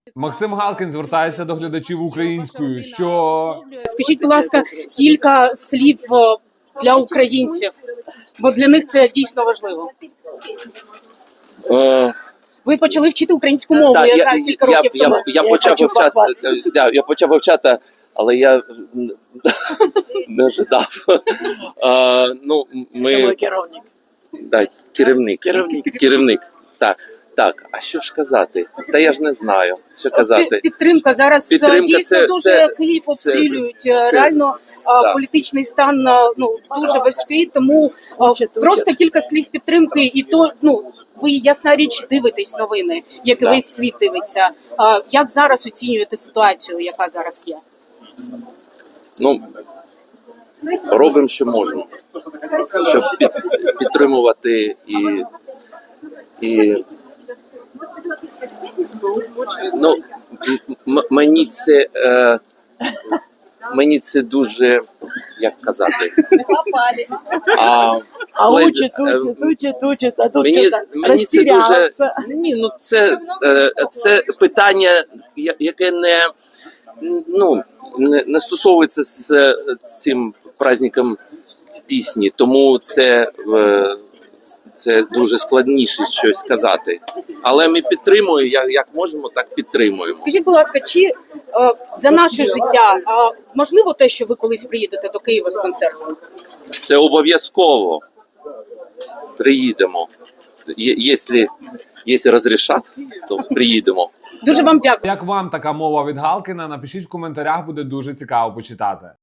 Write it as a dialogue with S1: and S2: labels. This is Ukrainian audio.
S1: Максим Галкін звертається до глядачів українською, що...
S2: Скажіть, будь ласка, кілька слів для українців, бо для них це дійсно важливо. Ви почали вчити українську мову, я знаю, кілька років тому.
S3: Я почав вивчати, але я не ожидав. Керівник. Так, а що ж казати? Та я ж не знаю, що казати.
S2: Підтримка. Зараз дійсно дуже Київ обстрілюють. Реально політичний стан дуже важкий, тому просто кілька слів підтримки. І то, ви, ясна річ, дивитесь новини, як і весь світ дивиться. Як зараз оцінюєте ситуацію, яка зараз є?
S3: Робимо, що можемо, щоб підтримувати і мені це дуже, як казати,
S4: учить, а тут
S3: мені це дуже, це питання, яке не стосовується з цим праздником пісні, тому це дуже складніше щось сказати. Але ми підтримуємо, як можемо, так підтримуємо.
S2: Скажіть, будь ласка, чи за наше життя можливо те, що ви колись приїдете до Києва з концертом?
S3: Це обов'язково. Приїдемо. Якщо розрішать, то приїдемо.
S2: Дуже вам дякую.
S1: Як вам така мова від Галкіна? Напишіть в коментарях, буде дуже цікаво почитати.